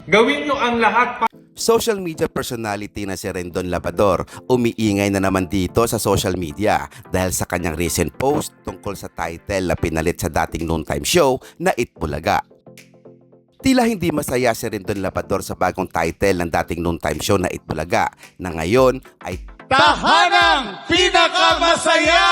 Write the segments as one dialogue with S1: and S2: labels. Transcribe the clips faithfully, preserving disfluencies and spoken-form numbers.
S1: Gawin nyo ang lahat.
S2: Social media personality na si Rendon Labrador umiingay na naman dito sa social media dahil sa kanyang recent post tungkol sa title na pinalit sa dating noontime show na Itbulaga. Tila hindi masaya si Rendon Labrador sa bagong title ng dating noontime show na Itbulaga na ngayon ay
S3: Tahanang Pinakamasaya!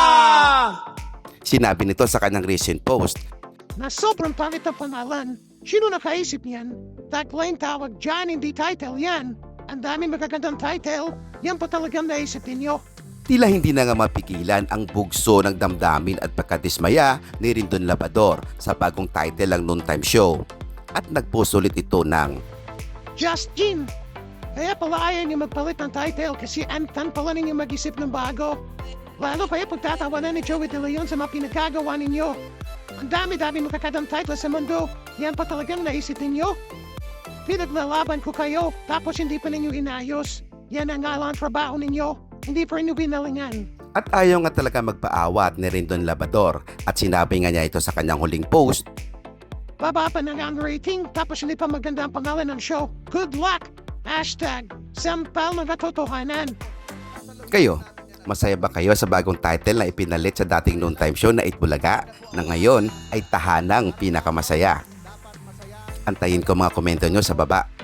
S2: Sinabi nito sa kanyang recent post
S4: Na sobrang pangit ang pangalan. Sino nakaisip yan? Tagline tawag dyan, hindi title yan. Ang daming magagandang title, yan pa talagang naisip ninyo.
S2: tila hindi na nga mapigilan ang bugso ng damdamin at pagkadismaya ni Rendon Labrador sa bagong title ng noontime show. At nagpost ulit ito ng
S4: Justin! Kaya pala ayaw niyo magpalit ng title kasi antan pala ninyo mag-isip ng bago. Lalo kaya pagtatawanan ni Joey De Leon sa mga pinagkagawa ninyo. Ang dami-dami magkakadang title sa mundo, yan pa talagang naisip ninyo? Pinaglalaban ko kayo, tapos hindi pa ninyo inayos. Yan ang ngalang trabaho ninyo, hindi pa rin binalingan.
S2: at ayaw nga talaga magpaawat ni Rendon Labrador at sinabi nga niya ito sa kanyang huling post.
S4: Baba pa na nga ang rating, tapos hindi pa maganda ang pangalan ng show. Good luck! Hashtag, sampal ng katotohanan.
S2: Kayo, masaya ba kayo sa bagong title na ipinalit sa dating noontime show na Itbulaga na ngayon ay Tahanang Pinakamasaya? Antayin ko mga komento nyo sa baba.